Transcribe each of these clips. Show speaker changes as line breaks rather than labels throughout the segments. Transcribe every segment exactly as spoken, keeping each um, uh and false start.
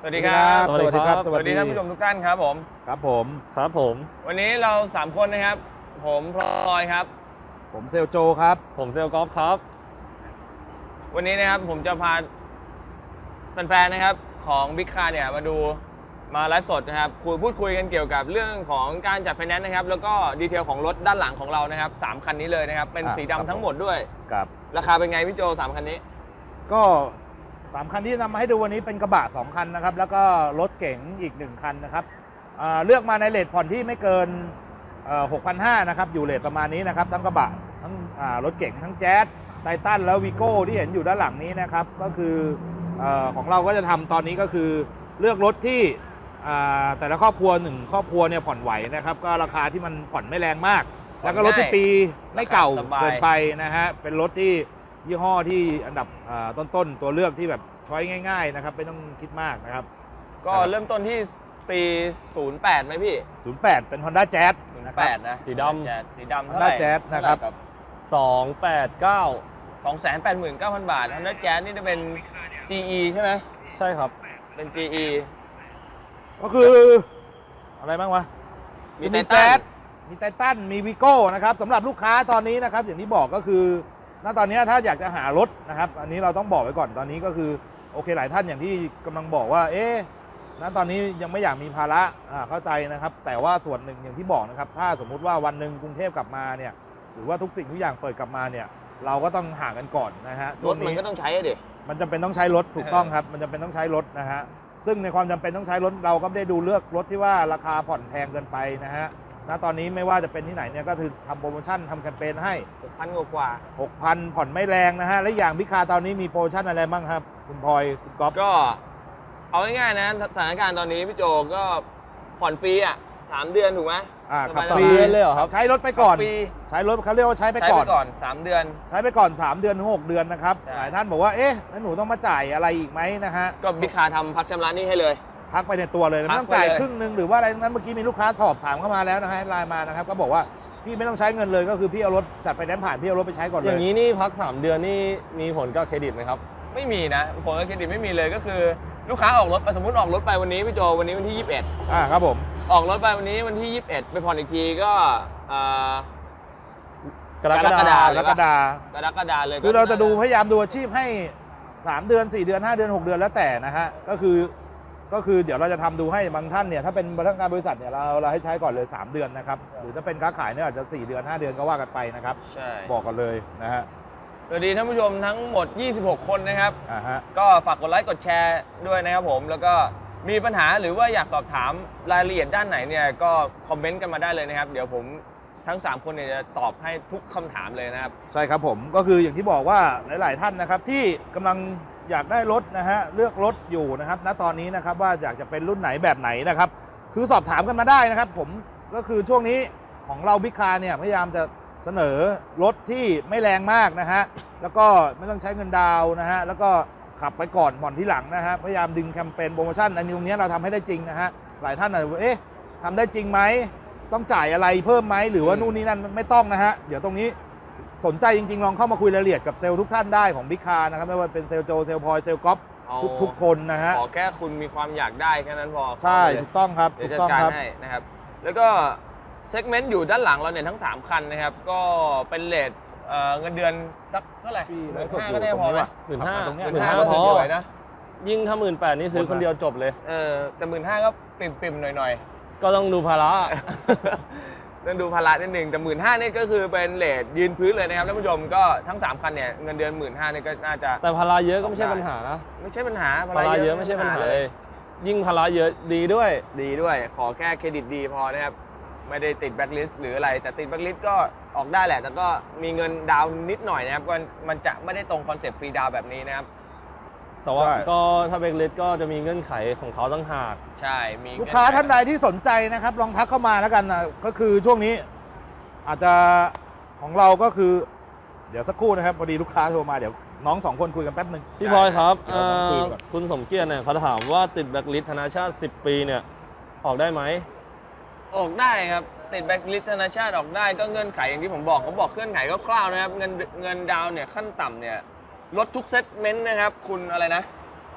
สวัสดีครับ
สวัสดีครับ
สวัสดีท่านผู้ชมทุกท่านครับผม
ครับผมครับผม
วันนี้เราสามคนนะครับผมพลอยครับ
ผมเซลโจครับ
ผมเซลกอล์ฟครับ
วันนี้นะครับผมจะพาแฟนๆนะครับของบิ๊กคาร์เนี่ยมาดูมาไลฟ์สดนะครับคุยพูดคุยกันเกี่ยวกับเรื่องของการจัดไฟแนนซ์นะครับแล้วก็ดีเทลของรถด้านหลังของเรานะครับสามคันนี้เลยนะครับเป็นสีดำทั้งหมดด้วย
ครับ
ราคาเป็นไงพี่โจสามคันนี้
ก็สามคันที่นำมาให้ดูวันนี้เป็นกระบะสองคันนะครับแล้วก็รถเก๋งอีกหนึ่งคันนะครับเลือกมาในเรทผ่อนที่ไม่เกิน หกพันห้าร้อย นะครับอยู่เรทประมาณนี้นะครับทั้งกระบะทั้งรถเก๋งทั้งแจ๊สไททันแล้ววีโก้ที่เห็นอยู่ด้านหลังนี้นะครับก็คือของเราก็จะทำตอนนี้ก็คือเลือกรถที่แต่ละครอบครัวหนึ่งครอบครัวเนี่ยผ่อนไหวนะครับก็ราคาที่มันผ่อนไม่แรงมากแล้วก็รถที่ปีไม่เก่าเกินไปนะฮะเป็นรถที่ยี่ห้อที่อันดับต้นๆตัวเลือกที่แบบช้อยง่ายๆนะครับไม่ต้องคิดมากนะครับ
ก็เริ่มต้นที่ปีศูนย์แปดไหมพี่
ศูนย์แปดเป็น Honda Jazz
ศูนย์แปดนะ
สีดำ
สีดำเท่าไหร่
Honda Jazz นะครับ
สองแปดเก้า
สองแสนแปดหมื่นเก้าพัน บาท Honda Jazz นี่จะเป็น จี อี ใช่ไหม
ใช่ครับ
เป็น จี อี
ก็คืออะไรบ้างวะ
มีไททัน
มีไททันมีวีโก้นะครับสำหรับลูกค้าตอนนี้นะครับอย่างที่บอกก็คือณตอนนี้ถ้าอยากจะหารถนะครับอันนี้เราต้องบอกไว้ก่อนตอนนี้ก็คือโอเคหลายท่านอย่างที่กำลังบอกว่าเอ๊ะณตอนนี้ยังไม่อยากมีภาระอ่าเข้าใจนะครับแต่ว่าส่วนหนึ่งอย่างที่บอกนะครับถ้าสมมุติว่าวันหนึ่งกรุงเทพกลับมาเนี่ยหรือว่าทุกสิ่งทุกอย่างเปิดกลับมาเนี่ยเราก็ต้องห่างกันก่อนนะฮะ
รถมันก็ต้องใช้ดิ
มันจำเป็นต้องใช้รถถูกต้องครับมันจำเป็นต้องใช้รถนะฮะซึ่งในความจำเป็นต้องใช้รถเราก็ไม่ได้ดูเลือกรถที่ว่าราคาผ่อนแพงเกินไปนะฮะณตอนนี้ไม่ว่าจะเป็นที่ไหนเนี่ยก็คือทำโปรโมชั่นทำแคมเปญให้
หกพัน กว่า
หกพัน ผ่อนไม่แรงนะฮะและอย่างพิคาตอนนี้มีโปรโมชั่นอะไรบ้างครับคุณพลอยคุณก๊อฟ
ก็เอาง่ายๆนะสถานการณ์ตอนนี้พี่โจก็ผ่อนฟรีอ่ะสามเดือนถูกไหม
อ่าขับ
ฟรีเลยเหรอครับ
ใช้รถไปก่อนใช้รถเขาเรียกว่าใช้ไปก่อน
ก่อนสามเดือน
ใช้ไปก่อนสามเดือนถึงหกเดือนนะครับหลายท่านบอกว่าเอ๊ะแล้วหนูต้องมาจ่ายอะไรอีกไหมนะฮะ
ก็บิ๊กคาทำพักชำระนี้ให้เลย
พักไปในตัวเลยไม่ต้องจ่ายครึ่งนึงหรือว่าอะไรนั้นเมื่อกี้มีลูกค้าสอบถามเข้ามาแล้วนะฮะไลน์มานะครับก็บอกว่าพี่ไม่ต้องใช้เงินเลยก็คือพี่เอารถจัดไฟแนนซ์ผ่านพี่เอารถไปใช้ก่อนเลย
อย่างนี้นี่พักสามเดือนนี่มีผลกับเครดิตไหมครับ
ไม่มีนะผลกับเครดิตไม่มีเลยก็คือลูกค้าออกรถไปสมมติออกรถไปวันนี้พี่โจวันนี้วันที่ยี่สิบเอ็ด
อ่าครับผม
ออกรถไปวันนี้วันที่ยี่สิบเอ็ดไปผ่อนอีกทีก็
กรกฎาคมกรกฎาคม
กรกฎาคมเลย
คือเราจะดูพยายามดูอาชีพให้สามเดือนสี่เดือนห้าเดือนหกเดือนแล้วแต่นะฮะก็คือก็คือเดี๋ยวเราจะทำดูให้บางท่านเนี่ยถ้าเป็นพนักงานบริษัทเนี่ยเราเราให้ใช้ก่อนเลยสามเดือนนะครับหรือถ้าเป็นค้าขายเนี่ยอาจจะสี่เดือนห้าเดือนก็ว่ากันไปนะครับ
ใช่
บอกกันเลยนะฮะ
สวัสดีท่านผู้ชมทั้งหมดยี่สิบหกคนนะครับ
อ่าฮะ
ก็ฝากกดไลค์กดแชร์ด้วยนะครับผมแล้วก็มีปัญหาหรือว่าอยากสอบถามรายละเอียดด้านไหนเนี่ยก็คอมเมนต์กันมาได้เลยนะครับเดี๋ยวผมทั้งสามคนเนี่ยจะตอบให้ทุกคำถามเลยนะครับ
ใช่ครับผมก็คืออย่างที่บอกว่าหลายๆท่านนะครับที่กำลังอยากได้รถนะฮะเลือกรถอยู่นะครับณตอนนี้นะครับว่าอยากจะเป็นรุ่นไหนแบบไหนนะครับคือสอบถามกันมาได้นะครับผมก็คือช่วงนี้ของเราบิ๊กคาร์เนี่ยพยายามจะเสนอรถที่ไม่แรงมากนะฮะแล้วก็ไม่ต้องใช้เงินดาวนะฮะแล้วก็ขับไปก่อนผ่อนที่หลังนะฮะพยายามดึงแคมเปญโปรโมชั่นอันนี้ตรงนี้เราทำให้ได้จริงนะฮะหลายท่านอาจจะเอ๊ะทำได้จริงไหมต้องจ่ายอะไรเพิ่มไหมหรือว่านู่นนี่นั่นไม่ต้องนะฮะเดี๋ยวตรงนี้สนใจจริงๆลองเข้ามาคุยรายละเอียดกับเซลล์ทุกท่านได้ของบิ๊กคาร์นะครับไม่ว่าเป็นเซลล์โจเซลล์พลอยเซลล์ก๊อฟทุกทุกคนนะฮะ
ขอแค่คุณมีความอยากได้แค่นั้นพอ
ใช่ถูกต้องครับ
ถูกต้องครับนะครับแล้วก็เซกเมนต์อยู่ด้านหลังเราเนี่ยทั้งสามคันนะครับก็เป็นเรทเงินเดือนสักเท่าไหร่หมื่นห้าก็ได้พอไหม
หมื่นห้า
หมื่
นห้า
ก็
พอ
นะ
ยิ่งถ้าหมื่นแปดนี่ซื้อคนเดียวจบเลย
เออแต่หมื่นห้าก็ปิ่มๆหน่อย
ๆก็ต้องดูภาระ
ต้องดูภาระนิดหนึ่งแต่หมื่นห้านี่ก็คือเป็นเรทยืนพื้นเลยนะครับท่านผู้ชมก็ทั้งสามคันเนี่ยเงินเดือนหมื่นห้านี่ก็น่าจะ
แต่ภาระเยอะก็ไม่ใช่ปัญหานะ
ไม่ใช่ปัญหา
ภาระเยอะไม่ใช่ปัญหาเลยยิ่งภาระเยอะดีด้วย
ดีด้วยขอแค่เครดิตดีพอนะครับไม่ได้ติดแบล็คลิสต์หรืออะไรแต่ติดแบล็คลิสต์ก็ออกได้แหละแต่ก็มีเงินดาวนิดหน่อยนะครับก็มันจะไม่ได้ตรงคอนเซ็ปต์ฟรีดาวแบบนี้นะครับ
แต่ว่าก็ถ้าแบล็คลิสต์ก็จะมีเงื่อนไขของเขาตั้งหาก
ใช่มี
ลูกค้าท่านใดที่สนใจนะครับลองทักเข้ามาแล้วกันนะก็คือช่วงนี้อาจจะของเราก็คือเดี๋ยวสักครู่นะครับพอดีลูกค้าโทรมาเดี๋ยวน้องสองคนคุยกันแป๊บนึง
พี่พลอยครับคุณสมเกียรติเนี่ยเขาถามว่าติดแบล็คลิสต์ธนาชาติสิบปีเนี่ยออกได้ไหม
ออกได้ครับติดแบล็คลิสต์ธนาชาติออกได้ก็เงื่อนไขอย่างที่ผมบอกผมบอกเงื่อนไขคร่าวๆนะครับเงินเงินดาวเนี่ยขั้นต่ำเนี่ยลดทุกเซตเมนต์นะครับคุณอะไรนะ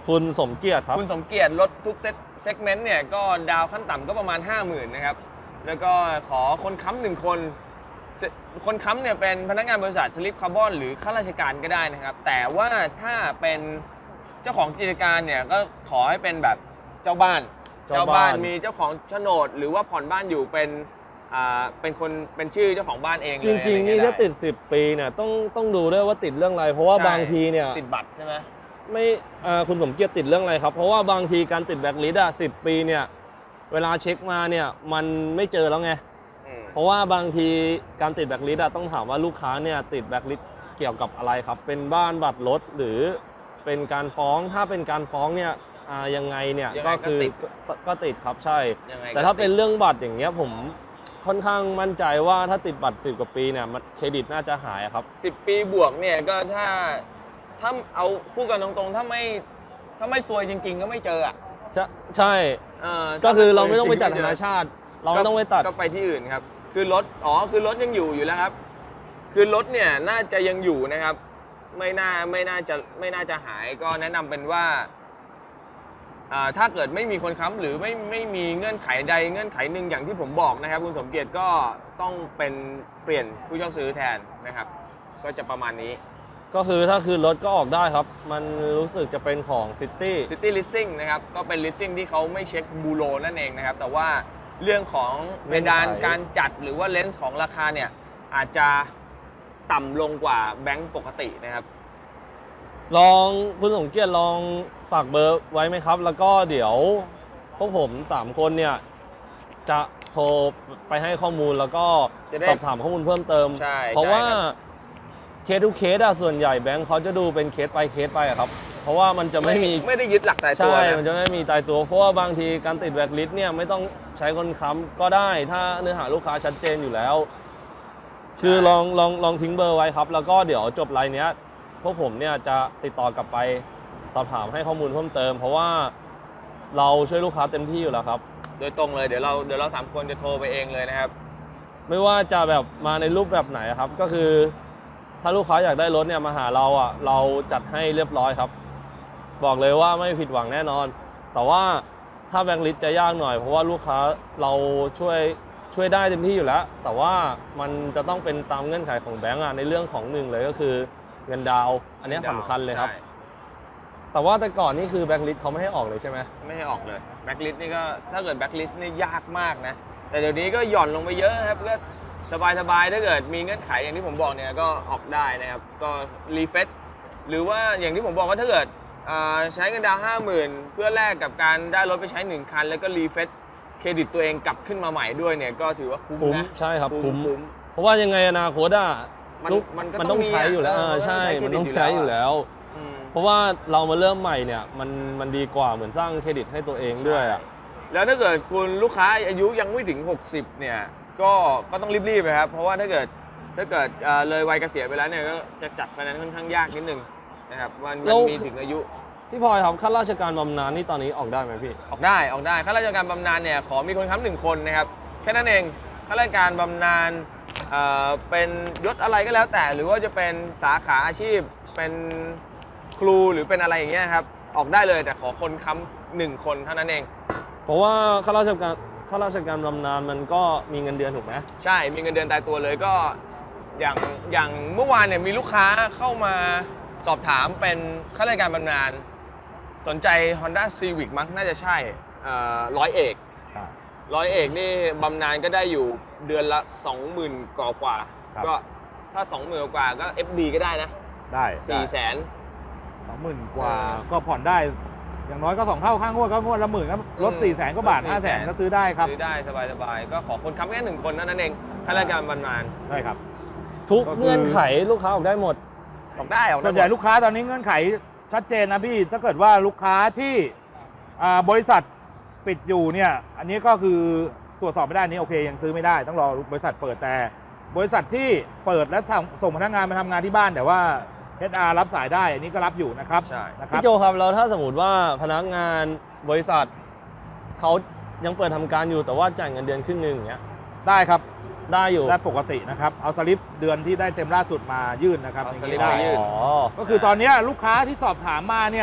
คุณสมเกียรติครับ
คุณสมเกียรติรถทุกเซตเซกเมนต์เนี่ยก็ดาวขั้นต่ำก็ประมาณ ห้าหมื่น นะครับแล้วก็ขอคนค้ำหนึ่งคนคนค้ำเนี่ยเป็นพนักงานบริษัทสลิปคาร์บอนหรือข้าราชการก็ได้นะครับแต่ว่าถ้าเป็นเจ้าของกิจการเนี่ยก็ขอให้เป็นแบบเจ้าบ้าน
เจ้าบ้าน
มีเจ้าของโฉนดหรือว่าผ่อนบ้านอยู่เป็นอ่าเป็นคนเป็นชื่อเจ้าของบ้านเองเลย
จริงๆนี่
อะไเย
ถ้าติดสิบปีเนี่ยต้องต้องดูด้วยว่าติดเรื่องอะไร เพราะว่า
ใช่
บางทีเนี่ย
ติดบัตรใช่ไหม
ไม่อ่าคุณสมเกียรติติดเรื่องอะไรครับ เพราะว่าบางทีการติดแบล็คลิสต์อ่ะสิบปีเนี่ยเวลาเช็คมาเนี่ยมันไม่เจอแล้วไง
อืม
เพราะว่าบางทีการติดแบล็คลิสต์อ่ะต้องถามว่าลูกค้าเนี่ยติดแบล็คลิสต์เกี่ยวกับอะไรครับ เป็นบ้านบัตรรถหรือเป็นการฟ้องถ้าเป็นการฟ้องเนี่ยอ่ายังไงเนี่ย
ยังไง
ก็
ก็
คือ
ติด
ก็ก็ติดครับใช่
ยังไงก็
แต่ถ้าเป็น
ติด
เรื่องบัตรอย่างเงี้ยผมค่อนข้างมั่นใจว่าถ้าติดบัตรสิบกว่าปีเนี่ยมันเครดิตน่าจะหายอะครับ
สิบปีบวกเนี่ยก็ถ้าถ้าเอาพูดกันตรงๆ ถ้าไม่ถ้าไม่ซวยจริง ๆ ก็ไม่เจออ่ะ
ใช่ใช่
เออ
ก็คือ
ถ้
เราไม่ต้องไปตัด
จ
ธ
ริๆ
นา
ม่เจ
ชาติ เราไม่ต้องไปตัด
ก็ไปที่อื่นครับ คือรถอ๋อคือรถยังอยู่อยู่แล้วครับ คือรถเนี่ยน่าจะยังอยู่นะครับ ไม่น่าไม่น่าจะไม่น่าจะหายก็แนะนำเป็นว่าอ่าถ้าเกิดไม่มีคนค้ำหรือไม่ไม่มีเงื่อนไขใดเงื่อนไขหนึ่งอย่างที่ผมบอกนะครับ คุณสมเกียรติก็ต้องเป็นเปลี่ยนผู้เช่าซื้อแทนนะครับ ก็จะประมาณนี้
ก็คือถ้าคืนรถก็ออกได้ครับ มันรู้สึกจะเป็นของซิตี้
City Leasing นะครับก็เป็น Leasing ที่เขาไม่เช็คบูโรนั่นเองนะครับ แต่ว่าเรื่องของเพดานการจัดหรือว่าเลนส์ของราคาเนี่ยอาจจะต่ำลงกว่าแบงก์ปกตินะครับ
ลองคุณสมเกียรติลองฝากเบอร์ไว้ไหมครับ แล้วก็เดี๋ยวพวกผมสามคนเนี่ยจะโทรไปให้ข้อมูลแล้วก็
จะได้
สอบถามข้อมูลเพิ่มเติม
ใช่
เพราะ
ใช่
ว่า
ครับ
เคสทุกเคสอะส่วนใหญ่แบงค์เขาจะดูเป็นเคสไปเคสไปอะครับ เพราะว่ามันจะไม่มี
ไม่ได้ยึดหลักตายตัว
ใช่
นะ
มันจะไม่มีตายตัว เพราะว่าบางทีการติดแบล็คลิสต์เนี่ยไม่ต้องใช้คนค้ำก็ได้ ถ้าเนื้อหาลูกค้าชัดเจนอยู่แล้ว คือลองลองลองทิ้งเบอร์ไว้ครับ แล้วก็เดี๋ยวจบไลน์เนี้ยพวกผมเนี่ยจะติดต่อกลับไปสอบถามให้ข้อมูลเพิ่มเติม เพราะว่าเราช่วยลูกค้าเต็มที่อยู่แล้วครับ
โดยตรงเลยเดี๋ยวเราเดี๋ยวเราสามคนจะโทรไปเองเลยนะครับ
ไม่ว่าจะแบบมาในรูปแบบไหนครับ ก็คือ ถ้าลูกค้าอยากได้รถเนี่ยมาหาเราอ่ะเราจัดให้เรียบร้อยครับ บอกเลยว่าไม่ผิดหวังแน่นอน แต่ว่าถ้าแบงค์ลิสต์จะยากหน่อย เพราะว่าลูกค้าเราช่วยช่วยได้เต็มที่อยู่แล้ว แต่ว่ามันจะต้องเป็นตามเงื่อนไขของแบงก์อ่ะในเรื่องของหนึ่งเลยก็คือเงินดาวน์อันนี้สำคัญเลยครับ
ใช่
แต่ว่าแต่ก่อนนี่คือแบงค์ลิสต์เขาไม่ให้ออกเลยใช่ไหม
ไม่ให้ออกเลยแบ็คลิสต์นี่ก็ถ้าเกิดแบ็คลิสต์นี่ยากมากนะ แต่เดี๋ยวนี้ก็หย่อนลงไปเยอะครับก็สบายสบายๆถ้าเกิดมีเงื่อนไขอย่างที่ผมบอกเนี่ยก็ออกได้นะครับ ก็รีเฟซหรือว่าอย่างที่ผมบอกว่าถ้าเกิดอ่าใช้เงินดาวห้าหมื่นเพื่อแลกกับการได้รถไปใช้หนึ่งคัน แล้วก็รีเฟซเครดิตตัวเองกลับขึ้นมาใหม่ด้วยเนี่ยก็ถือว่าคุ้ม
คุ้ม
นะ
ใช่ครับคุ้ม
คุ้ม
เพราะว่ายังไงอนาคตอ่ะ
มัน
ลูก
มันก็
มัน
ต้
ต้
อ
อง ง
มี
ใช้อยู่แล้ว
อ่ะ
เออใช่
เออ
มัน
มันต้
ต้
อ
อง ง
ใช้
ใช้
เครดิต
อยู่แล้ว
อืม
เพราะว่าเรามาเริ่มใหม่เนี่ยมันมันดีกว่าเหมือนสร้างเครดิตให้ตัวเองด้วยอ่ะ
แล้วถ้าเกิดคุณลูกค้าอายุยังไม่ถึงหกสิบเนี่ยก็ก็ต้องรีบๆนะครับเพราะว่าถ้าเกิดถ้าเกิดเอ่อเลยวัยเกษียณไปแล้วเนี่ยก็จะจัดไฟแนนซ์ค่อนข้างยากนิดนึงนะครับมันมันมีถึงอายุ
พี่พลอยครับข้าราชการบำนาญนี่ตอนนี้ออกได้ไหมพี่
ออกได้ออกได้ข้าราชการบำนาญเนี่ยขอมีคนค้ำหนึ่งคนนะครับแค่นั้นเองข้าราชการบำนาญเอ่อเป็นยศอะไรก็แล้วแต่ หรือว่าจะเป็นสาขาอาชีพเป็นครูหรือเป็นอะไรอย่างเงี้ยครับออกได้เลยแต่ขอคนค้ำหนึ่งคนเท่านั้นเอง
เพราะว่าข้าราชการข้าราชการบำนาญมันก็มีเงินเดือนถูกไหม
ใช่มีเงินเดือนตายตัวเลยก็อย่างอย่างเมื่อวานเนี่ยมีลูกค้าเข้ามาสอบถามเป็นข้าราชการบำนาญสนใจ Honda Civic มั้งน่าจะใช่ร้อยเอกร้อยเอกนี่บำนาญก็ได้อยู่เดือนละ สองหมื่น กว่ากว่า
ครับ
ก็ถ้า สองหมื่น กว่าก็ เอฟ ดี ก็ได้นะ
ได้
สี่แสน
สองหมื่นกว่า
เออ
ก็ผ่อนได้ อย่างน้อยก็สองเท่าข้างงวดก็งวดละหมื่นก็ลด
อืม
สี่แสนกว่าบาท
ลด
ห้าแสน
สี่แสน
ก็ซื้อได้ครับ
ซื้อได้สบายๆก็ขอคนค้ำแค่หนึ่งคนเท่านั้นเองข้าราชการบำนาญ
ใช่ครับ
ทุก
ก็คือ
เงื่อนไขลูกค้าออกได้หมด
ออกได้ออกได้
ส่วนใหญ่ลูกค้าตอนนี้เงื่อนไขชัดเจนนะพี่ ถ้าเกิดว่าลูกค้าที่อ่าบริษัทปิดอยู่เนี่ย อันนี้ก็คือตรวจสอบไม่ได้อันนี้โอเคยังซื้อไม่ได้ต้องรอบริษัทเปิดแต่ บริษัทที่เปิดและส่งพนักงานมาทำงานที่บ้านแต่ว่า เอช อาร์ รับสายได้อันนี้ก็รับอยู่นะครับ
ใช่
นะครับ
พี่โจครับแล้วถ้าสมมติว่าพนักงานบริษัทเขายังเปิดทำการอยู่แต่ว่าจ่ายเงินเดือนครึ่งหนึ่งอย่างเงี้ย
ได้ครับ
ได้อยู่
ได้ปกตินะครับเอาสลิปเดือนที่ได้เต็มล่าสุดมายื่นนะครับ
เอา
อย่าง
สลิ
นี้
ป
ได้
มายื่น
อ๋อ
ก็คือตอนนี้ลูกค้าที่สอบถามมาเนี่ย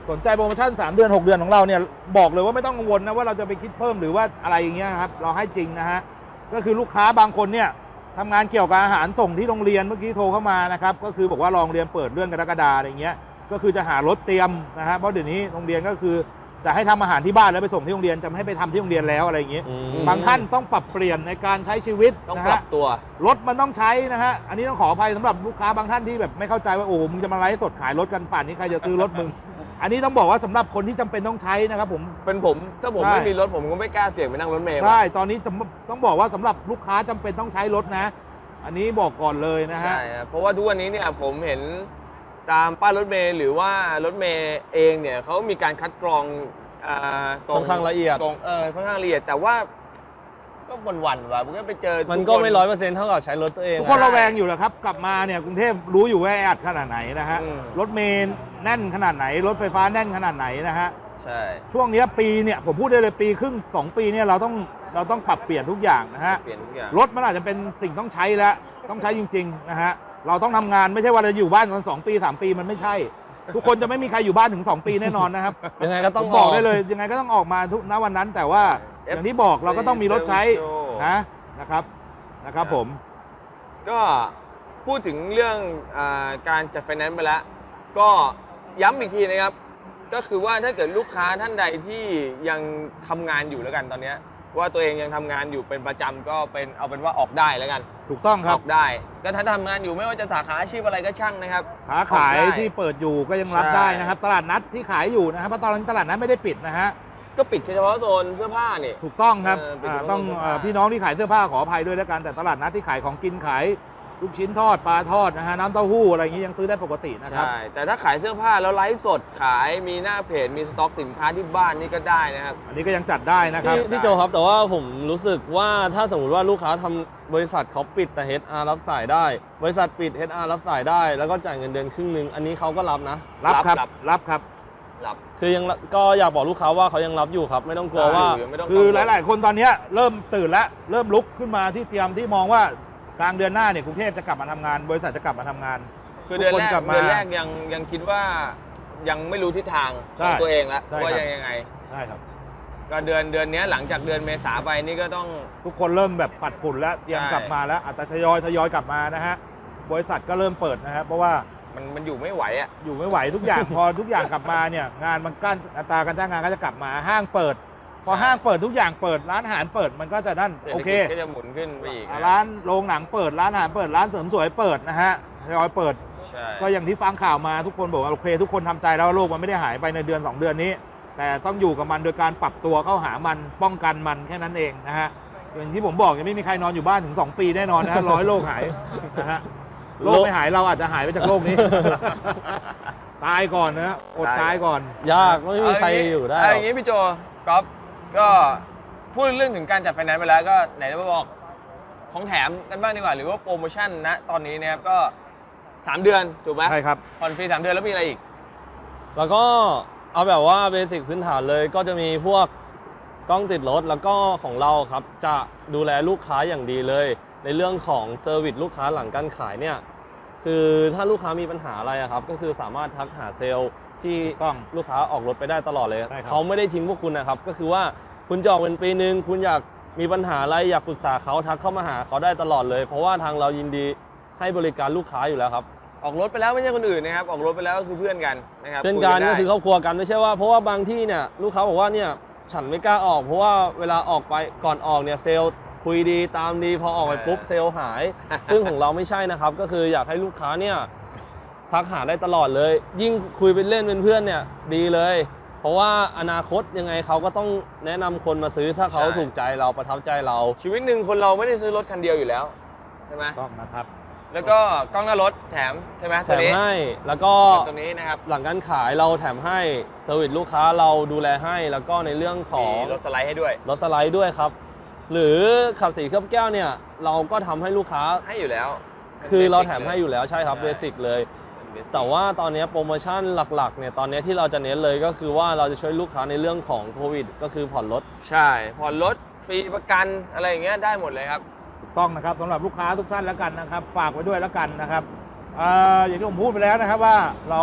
สนใจโปรโมชั่นสามเดือนหกเดือนของเราเนี่ยบอกเลยว่าไม่ต้องกังวลนะว่าเราจะไปคิดเพิ่มหรือว่าอะไรอย่างเงี้ยครับเราให้จริงนะฮะก็คือลูกค้าบางคนเนี่ยทำงานเกี่ยวกับอาหารส่งที่โรงเรียนเมื่อกี้โทรเข้ามานะครับก็คือบอกว่าโรงเรียนเปิดเรื่องกรกฎาอะไรเงี้ยก็คือจะหารถเตรียมนะฮะเพราะเดี๋ยวนี้โรงเรียนก็คือจะให้ทำอาหารที่บ้านแล้วไปส่งที่โรงเรียนจะไม่ให้ไปทำที่โรงเรียนแล้วอะไรอย่างเงี้ย
อืม
บางท่านต้องปรับเปลี่ยนในการใช้ชีวิต
ต้อง
นะ
ปรั
ฮะ
บตัว
รถมันต้องใช้นะฮะอันนี้ต้องขออภัยสำหรับลูกค้าบางท่านที่แบบไม่เข้าใจว่าโอ้มึงจะมาไลฟ์สดขายรถกันป่านนี้ใครจะซื้อรถมึง อันนี้ต้องบอกว่าสำหรับคนที่จำเป็นต้องใช้นะครับผม
เป็นผมถ้าผม
ใช่
ไม่มีรถผมก็ไม่กล้าเสี่ยงไปนั่งรถเมล์
ใช่ตอนนี้ต้องต้องบอกว่าสำหรับลูกค้าจำเป็นต้องใช้รถนะ อันนี้บอกก่อนเลยนะฮะ
ใช่ครับเพราะว่าทุกวันนี้เนี่ยผมเห็นตามป้ายรถเมล์หรือว่ารถเมล์เองเนี่ยเขามีการคัดกรองอ่าตร
ค่อนข้างละเอียด
ตรงเออค่อนข้างละเอียดแต่ว่าก็วันๆว่ะผมก็ไปเจอ
มัน
ทุค
ก็ไม่ร้อยเปอร์เซ็นต์เท่ากับใช้รถตัวเอง
ทุกคน
อะ
ระแวงอยู่แหละครับ กลับมาเนี่ยกรุงเทพรู้อยู่ว่าแออัดขนาดไหนนะฮะ
อืม
รถเมล์แน่นขนาดไหน รถไฟฟ้าแน่นขนาดไหนนะฮะ
ใช่
ช่วงเนี้ยปีเนี่ยผมพูดได้เลยปีครึ่งสองปีเนี่ยเราต้องเราต้องปรับเปลี่ยนทุกอย่างนะฮะ
เปลี่ยนทุกอย่าง
รถมันอาจจะเป็นสิ่งต้องใช้แล้วต้องใช้จริงๆนะฮะเราต้องทำงานไม่ใช่ว่าเราอยู่บ้านกันสองปีสามปีมันไม่ใช่ ทุกคนจะไม่มีใครอยู่บ้านถึงสองปีแน่นอนนะครับ
ยังไงก็ต้อง
ผมบอกได้เลยยังไงก็ต้องออกมาทุกณวันนั้น แต่ว่า
เอฟ
อย่างที่บอกเราก็ต้องมีรถใช้
โจ้
นะนะครับนะครับผม
ก็พูดถึงเรื่องอาการจัดไฟแนนซ์ไปแล้ว ก็ย้ำอีกทีนะครับ ก็คือว่าถ้าเกิดลูกค้าท่านใดที่ยังทำงานอยู่แล้วกันตอนเนี้ยว่าตัวเองยังทำงานอยู่เป็นประจำก็เป็นเอาเป็นว่าออกได้แล้วกัน
ถูกต้องค
อ
รับ
อกได้ ก็ถ้าทำงานอยู่ไม่ว่าจะสาขาอาชีพอะไรก็ช่างนะครับ
ขาขาย
ออกได้
ที่เปิดอยู่ก็ยังรับ
ใช่
ได้นะครับ ตลาดนัดที่ขายอยู่นะครับเพราะตอนนี้ตลาดนัดไม่ได้ปิดนะฮะ
ก็ปิดแค่เฉพาะโซนเสื้อผ้านี่
ถูกต้องครับ
เออปิด
อ่า
เฉพาะ
ต้อง
เสื้อผ้า
เอ่อพี่น้องที่ขายเสื้อผ้าขออภัยด้วยแล้วกันแต่ตลาดนัดที่ขายของกินขายลูกชิ้นทอดปลาทอดนะฮะน้ำเต้าหู้อะไรอย่างนี้ยังซื้อได้ปกตินะครับ
ใช่ แต่ถ้าขายเสื้อผ้าแล้วไลฟ์สดขายมีหน้าเพจมีสต็อกสินค้าที่บ้านนี่ก็ได้นะครับ
อันนี้ก็ยังจัดได้นะครับ
พี่พี่โจครับแต่ว่าผมรู้สึกว่าถ้าสมมติว่าลูกค้าทำบริษัทเขาปิดแต่ เอช อาร์ รับสายได้ บริษัทปิด เอช อาร์ รับสายได้ แล้วก็จ่ายเงินเดือนครึ่งหนึงอันนี้เขาก็รับนะ
รับครับ
รับ
รับครับ
รับ
คือยังก็อยากบอกลูกค้าว่าเขายังรับอยู่ครับ ไม่ต้องกลัวว่า
ยังไม่ต้อง
คือห
กังวล
ลาย ๆ คนตอนเนี้ยเริ่มตื่นแล้วเริ่มลุกขึ้นมาที่เตรียมที่มองว่ากลางเดือนหน้าเนี่ยกรุงเทพจะกลับมาทำงาน บริษัทจะกลับมาทำงาน
คือเดือนแร
ทุกคน
ก
กลับมา
เดือนแรกยังยังคิดว่ายังไม่รู้ทิศทางข
ใช่
องตัวเองแล้ว
ใช่
ว่า
ครับ
ยังยังไง
ใช่ครับ
ก็เดือนเดือนเนี้ยหลังจากเดือนเมษาไปนี่ก็ต้อง
ทุกคนเริ่มแบบปัดฝุ่นแล้วเตรียม
ใช่
กลับมาแล้วอาจจะทยอยทยอยกลับมานะฮะบริษัทก็เริ่มเปิดนะครับเพราะว่า
มันมันอยู่ไม่ไหวอ่ะ
อยู่ไม่ไหวทุกอย่าง พอทุกอย่างกลับมาเนี่ยงานมันกั้นอัตราการจ้างงานก็จะกลับมาห้างเปิด พอ
ใช่
ห้างเปิดทุกอย่างเปิดร้านอาหารเปิดมันก็จะนั่น
เศรษ
โอ
ฐ
เค
กิจก็จะหมุนขึ้นไปอีกนะ
ร้านโรงหนังเปิดร้านอาหารเปิดร้านเสริมสวยเปิดนะฮะทยอยเปิด
ใช่
ก็อย่างที่ฟังข่าวมาทุกคนบอกว่าโอเคทุกคนทำใจแล้วว่าโลกมันไม่ได้หายไปในเดือนสองเดือนนี้ แต่ต้องอยู่กับมันโดยการปรับตัวเข้าหามันป้องกันมันแค่นั้นเองนะฮะอย่างที่ผมบอกยังไม่มีใครนอนอยู่บ้านถึงสองปีแน่นอนนะฮะร้อยโรคหายนะฮะโรคไม่หายเราอาจจะหายไปจากโลกนี้ ตายก่อนนะฮะอดตายก่อน
ยากไม่มีใครอยู่ได้หร
เอา
อก
อย่างนี้พี่โจก๊อฟก็พูดเรื่องถึงการจัดไฟแนนซ์ไปแล้วก็ไหนจะมาบอกของแถมกันบ้างดีกว่าหรือว่าโปรโมชั่นณตอนนี้นะครับก็สามเดือนถูกไหม
ใช่ครับ
ผ่อนฟรีสามเดือนแล้วมีอะไรอีก
แล้วก็เอาแบบว่าเบสิกพื้นฐานเลยก็จะมีพวกกล้องติดรถแล้วก็ของเราครับจะดูแลลูกค้าอย่างดีเลย ในเรื่องของเซอร์วิสลูกค้าหลังการขายเนี่ยคือถ้าลูกค้ามีปัญหาอะไรอะครับก็คือสามารถทักหาเซลล์ที่
ต้อง
ลูกค้าออกรถไปได้ตลอดเลย
ใช่ครับ
เขาไม่ได้ทิ้งพวกคุณนะครับก็คือว่าคุณจะออกเป็นปีหนึ่งคุณอยากมีปัญหาอะไรอยากปรึกษาเขาทักเข้ามาหาเขาได้ตลอดเลย เพราะว่าทางเรายินดีให้บริการลูกค้าอยู่แล้วครับ
ออกรถไปแล้วไม่ใช่คนอื่นนะครับออกรถไปแล้วก็คือเพื่อนกันนะครับ
เช่นกัน
คุย
ก็
ได้
คือครอบครัวกันไม่ใช่ว่าเพราะว่าบางที่เนี่ยลูกค้าบอกว่าเนี่ยฉันไม่กล้าออก เพราะว่าเวลาออกไปก่อนออกเนี่ยเซลล์คุยดีตามดีพอออกไปปุ๊บเซลล์หาย ซึ่งของเราไม่ใช่นะครับก็คืออยากให้ลูกค้าเนี่ยทักหาได้ตลอดเลย ยิ่งคุยเป็นเล่นเป็นเพื่อนเนี่ยดีเลย เพราะว่าอนาคตยังไงเขาก็ต้องแนะนำคนมาซื้อถ้าเขา
ใช่
ถูกใจเราประทับใจเรา
ชีวิตหนึ่งคนเราไม่ได้ซื้อรถคันเดียวอยู่แล้วใช่ไหม
ต้องนะครับ
แล้วก็กล้องหน้ารถแถมใช่ไหม
แถ
ตัว
ม
นี้
ให้แล้วก็
ตัวนี้นะครับ
หลังการขายเราแถมให้เซอร์วิสลูกค้าเราดูแลให้แล้วก็ในเรื่องข
มี
อง
รถสไลด์ให้ด้วย
รถสไลด์ด้วยครับ หรือขับสีเคลือบแก้วเนี่ยเราก็ทำให้ลูกค้า
ให้อยู่แล้ว
คือเราแถมให้อยู่แล้วใช่ครับ
ใช่
เบสิกเลย แต่ว่าตอนนี้โปรโมชั่นหลักๆเนี่ยตอนนี้ที่เราจะเน้นเลยก็คือว่าเราจะช่วยลูกค้าในเรื่องของโควิดก็คือผ่อนรถ
ใช่ผ่อนรถฟรีประกันอะไรอย่างเงี้ยได้หมดเลยครับ
ถูกต้องนะครับสำหรับลูกค้าทุกท่านแล้วกันนะครับ ฝากไว้ด้วยแล้วกันนะครับอ่าอย่างที่ผมพูดไปแล้วนะครับว่าเรา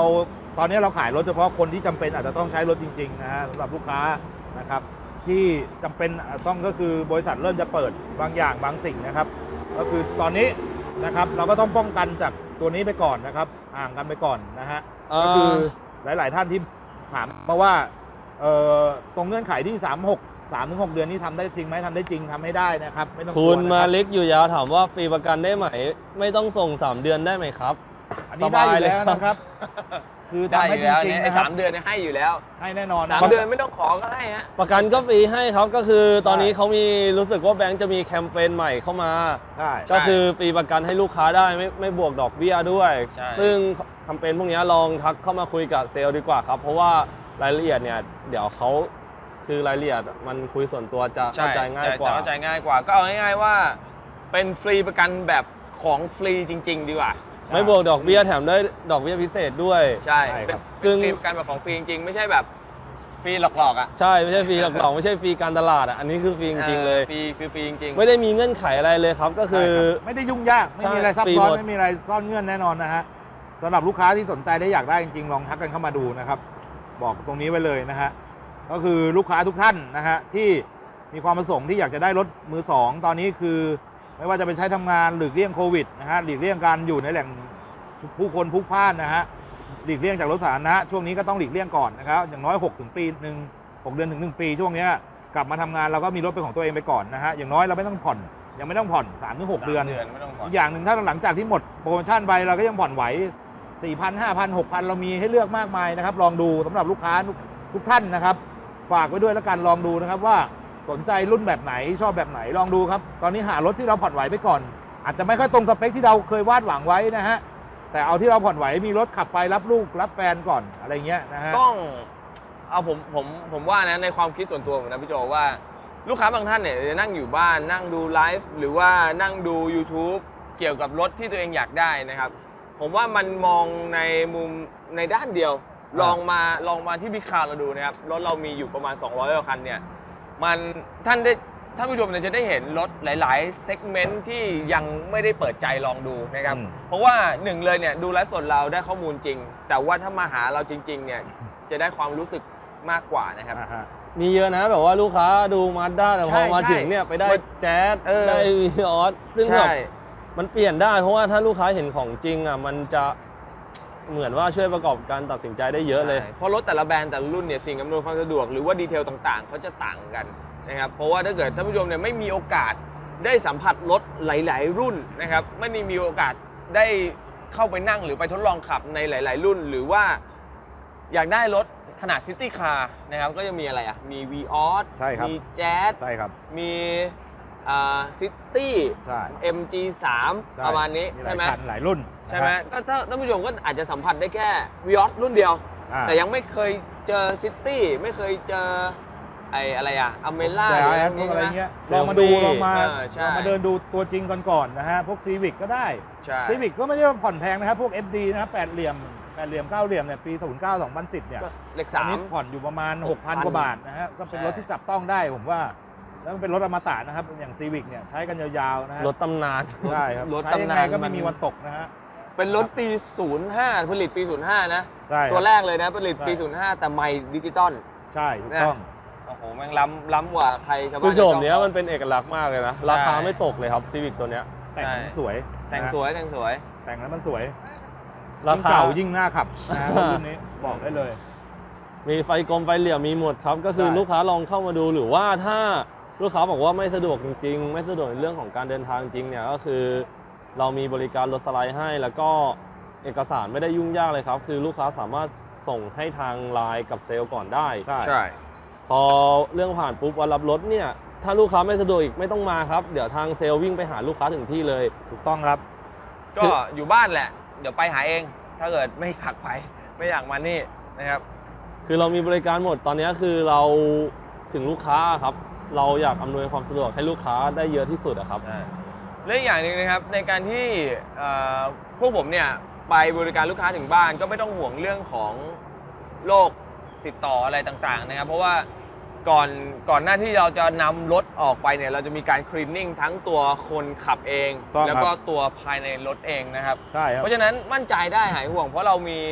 ตอนนี้เราขายรถเฉพาะคนที่จำเป็นอาจจะต้องใช้รถจริงๆนะฮะสำหรับลูกค้านะครับที่จำเป็นต้องก็คือบริษัทเริ่มจะเปิดบางอย่างบางสิ่งนะครับก็คือตอนนี้นะครับเราก็ต้องป้องกันจากตัวนี้ไปก่อนนะครับห่างกันไปก่อนนะฮะ
เอ่อ
ก็คือหลายๆท่านที่ถามมาว่าเอ่อตรงเงื่อนไขที่สามหก สามถึงหกเดือนนี้ทำได้จริงไหมทำได้จริงทำให้ได้นะครับไม่ต้องกลัว
คุณ
นะ
มา
รับ
เล็กอยู่ยาวถามว่าฟรีประกันได้ไหม ไม่ต้องส่งสามเดือนได้ไหมครับ
อันนี้ได้อยู่แล้วนะครับ คือ
ได้
ทำ
อ
ให้
ยู่
จ
แล้ว
ริง
เนี่ย
ๆ
ไอ้
นะครั
สา
บ
มเดือนเนี่ยให้อยู่แล้ว
ให้แน่นอนนะ
สาม
ครับ
เดือนไม่ต้องขอก็ให้ฮะ
ประกันก็ฟรีให้ครับก็คือตอนนี้
ใช่
เขามีรู้สึกว่าแบงก์จะมีแคมเปญใหม่เข้ามา
ใช่
ก็คือฟรีประกันให้ลูกค้าได้ไม่ไม่บวกดอกเบี้ยด้วย
ใช่
ซึ่งแคมเปญพวกนี้ลองทักเข้ามาคุยกับเซลล์ดีกว่าครับ เพราะว่ารายละเอียดเนี่ยเดี๋ยวเขาคือรายละเอียดมันคุยส่วนตัวจะเข้าใจง่ายกว่า
จะเข้าใจง่ายกว่า ก็เอาง่ายๆว่า เป็นฟรีประกันแบบของฟรีจริง ๆ ดีกว่า
ไม่บวกดอกเบี้ยแถมได้ดอกเบี้ยพิเศษด้วย
ใช่
ใช่
เป็น
ครับ
ซึ่
เป็น
ง
ฟรีประกันแบบของฟรีจริงๆไม่ใช่แบบฟรีหลอกๆอ่ะ
ใช่ไม่ใช่ฟรีหลอกๆไม่ใช่ฟรีการตลาดอ่ะอันนี้คือฟรีจริงๆเลย
ฟรีคือฟรีจริงๆ
ไม่ได้มีเงื่อนไขอะไรเลยครับก็คือ
ใช่รับไม่ได้ยุ่งยากไม่มีอะไร
ใช่
ซับ
ฟรี
ซ้อน
หมด
ไม่มีอะไรซ่อนเงื่อนแน่นอนนะฮะสำหรับลูกค้าที่สนใจได้อยากได้จริงๆลองทักกันเข้ามาดูนะครับ บอกตรงนี้ไว้เลยนะฮะก็คือลูกค้าทุกท่านนะฮะที่มีความประสงค์ที่อยากจะได้รถมือสองตอนนี้คือ ไม่ว่าจะเป็นใช้ทำงานหลีกเลี่ยงโควิดนะฮะหลีกเลี่ยงการอยู่ในแหล่งผู้คนพลุกพล่านนะฮะหลีกเลี่ยงจากรถสาธารณะช่วงนี้ก็ต้องหลีกเลี่ยงก่อนนะครับอย่างน้อยหกถึงปีหนึ่งหกเดือนถึงหนึ่งปีช่วงเนี้ยกลับมาทำงานเราก็มีรถเป็นของตัวเองไปก่อนนะฮะอย่างน้อยเราไม่ต้องผ่อนยังไม่ต้องผ่อนสามถึงหกเดือน
เดือนไม่ต้องผ่อน
อีกอย่างหนึ่งถ้าหลังจากที่หมดโปรโมชั่นไปเราก็ยังผ่อนไหว สี่พัน ห้าพัน หกพัน เรามีให้เลือกมากมายนะครับ ลองดูสำหรับลูกค้าทุกทุกท่านนะครับ ฝากไว้ด้วยแล้วกันลองดูนะครับว่าสนใจรุ่นแบบไหนชอบแบบไหนลองดูครับ ตอนนี้หารถที่เราผ่อนไหวไปก่อน อาจจะไม่ค่อยตรงสเปคที่เราเคยวาดหวังไว้นะฮะแต่เอาที่เราผ่อนไหวมีรถขับไปรับลูกรับแฟนก่อนอะไรเงี้ยนะฮะ
ต้องเอาผมผมผมว่านะในความคิดส่วนตัวผมนะพี่โจว่าลูกค้าบางท่านเนี่ยจะนั่งอยู่บ้านนั่งดูไลฟ์หรือว่านั่งดู YouTube เกี่ยวกับรถที่ตัวเองอยากได้นะครับ ผมว่ามันมองในมุมในด้านเดียว
อ่า
ลองมาลองมาที่บิ๊กคาร์เราดูนะครับรถเรามีอยู่ประมาณสองร้อยกว่าคันเนี่ยมันท่านได้ท่านผู้ชมเนี่ยจะได้เห็นรถหลายๆเซกเมนต์ที่ยังไม่ได้เปิดใจลองดูนะครับ
อืม
เพราะว่าหนึ่งเลยเนี่ยดูไลฟ์สดเราได้ข้อมูลจริง แต่ว่าถ้ามาหาเราจริงๆเนี่ยจะได้ความรู้สึกมากกว่านะครับ
อ่าฮะ
มีเยอะนะแบบว่าลูกค้าดูมาด้าแต่พ
ใช่
อมา
ใช่
ถึงเนี่ยไปได้
มัน
แจ๊ส
เออ
ได้วีออสซึ่งแบบ
ใช่
มันเปลี่ยนได้เพราะว่าถ้าลูกค้าเห็นของจริงอ่ะมันจะเหมือนว่าช่วยประกอบการตัดสินใจได้เยอะเลย
ใช่เพราะรถแต่ละแบรนด์แต่ละรุ่นเนี่ยสิ่งอำนวยความสะดวกหรือว่าดีเทลต่างๆเขาจะต่างกันนะครับเพราะว่าถ้าเกิดท่านผู้ชมเนี่ยไม่มีโอกาสได้สัมผัสรถหลาย ๆ รุ่นนะครับไม่ได้มีโอกาสได้เข้าไปนั่งหรือไปทดลองขับในหลาย ๆ รุ่น หรือว่าอยากได้รถขนาดซิตี้คาร์นะครับก็จะมีอะไรอ่ะมี วี ออส
ใช่ครับ
มีแจ๊ส
ใช่ครับ
มีซิตี้
ใช่
เอ็ม จี สาม
ใช่
ประมาณนี้
หลา
ใช่
ย
ไหม
คันหลายรุ่น
ใช่ไหม
นะฮะ
ก็ถ้าท่านผู้ชมก็อาจจะสัมผัสได้แค่ วี ออส รุ่นเดียว
อ่า
แต่ยังไม่เคยเจอซิตี้ไม่เคยเจอไอ้อะไรอะอเมล่า
แต่
หรือ
แอ
อะไร
ดพ
นี้
วกอะไร
ใช่ไหม
เงี้ย
เซ
ล
ล
อง
ฟี่
มาดูลองมา
เออใช่
ลองมาเดินดูตัวจริงก่อนๆนะฮะพวกซีวิกก็ได้
ใช่
ซีวิกก็ไม่ได้ว่าผ่อนแพงนะครับ พวก เอฟ ดี นะครับแปดเหลี่ยมแปดเหลี่ยมเก้าเหลี่ยมเนี่ยปีศูนย์เก้า สองพันสิบเนี่ย
ก็เลข
ตอ
สาน
นี้
ม
ผ่อนอยู่ประมาณ หกพัน
หกพัน
กว่าบาทนะฮะก็เป็น
ใช่
รถที่จับต้องได้ผมว่า แล้วมันเป็นรถอมตะนะครับอย่างซีวิกเนี่ยใช้กันยาวๆนะฮะ
รถตำนาน
ใช่ครับ
รถ
ใช้ยัง
ตำ
ไง
นาน
ก็ไม่
มัน
มีวันตกนะฮะ
เป็นรถปี ศูนย์ห้า ผลิตปี ศูนย์ห้า นะ
ใช่ครับ
ตัวแรกเลยนะ ผลิตปี
ใช่
ศูนย์ห้า แต่ไม่ดิจิตอล
ใช่ถูกต้อง
โอ้โหแม่งล้ำล้ำกว่าใครชาวบ้าน
คือโฉม
ชาว
เนี้ย
ช่อง
มันเป็นเอกลักษณ์มากเลยนะ
ใช่
ราคาไม่ตกเลยครับซีวิกตัวเนี้ย
แต่ง
ใช่
สวย
แต่ง
นะฮะ
สวยแต่งสวย
แต่งแล้วมันสวย
รา
ยิ่ง
คา
เก่ายิ่งน่าขับนะฮะรุ่นนี้บอกได้เลย
มีไฟกลมไฟเหลี่ยมมีหมดครับ ก็คือ
ใช่
ลูกค้าลองเข้ามาดูหรือว่าถ้าลูกค้าบอกว่าไม่สะดวกจริงๆ ไม่สะดวกในเรื่องของการเดินทางจริงเนี่ยก็คือเรามีบริการรถสไลด์ให้ แล้วก็เอกสารไม่ได้ยุ่งยากเลยครับ คือลูกค้าสามารถส่งให้ทางไลน์กับเซลล์ก่อนได้
ใช่
ใช่
พอเรื่องผ่านปุ๊บวันรับรถเนี่ยถ้าลูกค้าไม่สะดวกอีกไม่ต้องมาครับเดี๋ยวทางเซลล์วิ่งไปหาลูกค้าถึงที่เลย
ถูกต้องครับ
ก็อยู่บ้านแหละ เดี๋ยวไปหาเอง ถ้าเกิดไม่อยากไปไม่อยากมานี่นะครับ
คือเรามีบริการหมดตอนนี้คือเราถึงลูกค้าครับ เราอยากอำนวยความสะดวกให้ลูกค้าได้เยอะที่สุดอะครับ
และอีกอย่างหนึ่งนะครับในการที่เอ่อพวกผมเนี่ยไปบริการลูกค้าถึงบ้านก็ไม่ต้องห่วงเรื่องของโรคติดต่ออะไรต่างๆนะครับ เพราะว่าก่อนก่อนหน้าที่เราจะนำรถออกไปเนี่ยเราจะมีการคลีนนิ่งทั้งตัวคนขับเอง
ต้องครับ
แล้วก็ตัวภายในรถเองนะครับ
ใช่ครับ
เพราะฉะนั้นมั่นใจได้หายห่วง เพราะเรามี